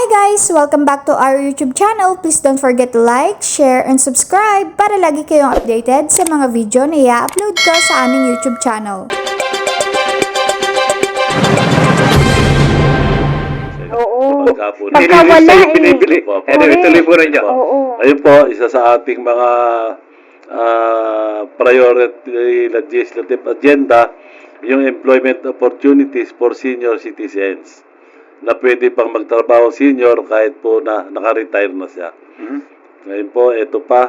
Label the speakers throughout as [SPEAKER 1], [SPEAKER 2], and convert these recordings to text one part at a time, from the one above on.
[SPEAKER 1] Hi guys! Welcome back to our YouTube channel. Please don't forget to like, share, and subscribe para lagi kayong updated sa mga video na i-upload ko sa aming YouTube channel.
[SPEAKER 2] Oo.
[SPEAKER 3] Pagka wala
[SPEAKER 2] Binibili. Anyway, tuloy po rin niyo.
[SPEAKER 3] Oo.
[SPEAKER 4] Ayun po, isa sa ating mga priority legislative agenda, yung employment opportunities for senior citizens na pwede pang magtrabaho senior kahit po na naka-retire na siya. Ngayon po, ito pa,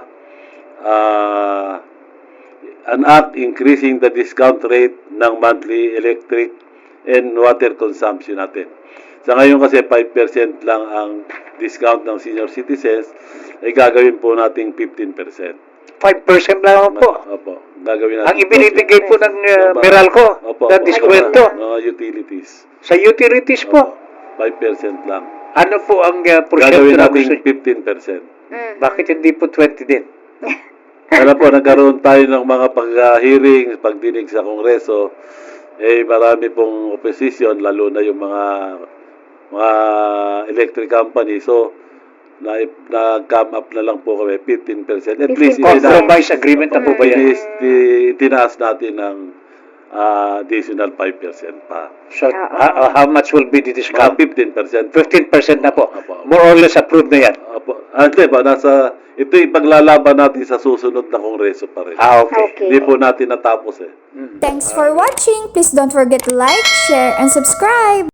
[SPEAKER 4] an act increasing the discount rate ng monthly electric and water consumption natin. Sa ngayon kasi 5% lang ang discount ng senior citizens, ay gagawin po nating 15%.
[SPEAKER 2] 5% lang po.
[SPEAKER 4] Opo, gagawin natin.
[SPEAKER 2] Ang ibinibigay po ng Meralco na diskwento
[SPEAKER 4] Mga utilities.
[SPEAKER 2] sa utilities po.
[SPEAKER 4] 5% lang.
[SPEAKER 2] Ano po ang
[SPEAKER 4] Gagawin
[SPEAKER 2] porsyento na
[SPEAKER 4] natin
[SPEAKER 2] gusto?
[SPEAKER 4] 15%.
[SPEAKER 2] Bakit hindi po 20 din?
[SPEAKER 4] Alam po, nagkaroon tayo ng mga pag-hearing, pagdinig sa Kongreso, marami pong opposition, lalo na yung mga electric company. So, nag-come up na lang po kami, 15%. At least,
[SPEAKER 2] Compromise agreement na po ba yan?
[SPEAKER 4] tinaas natin ng additional 5% pa.
[SPEAKER 2] So, how much will be the discount?
[SPEAKER 4] 15%.
[SPEAKER 2] 15% na po.
[SPEAKER 4] Opo.
[SPEAKER 2] More or less approved na yan.
[SPEAKER 4] Opo. Hindi ba, ito ipaglalaban natin sa susunod na Kongreso pa rin.
[SPEAKER 2] Okay.
[SPEAKER 4] Hindi po natin natapos
[SPEAKER 1] Thanks for watching! Please don't forget to like, share, and subscribe!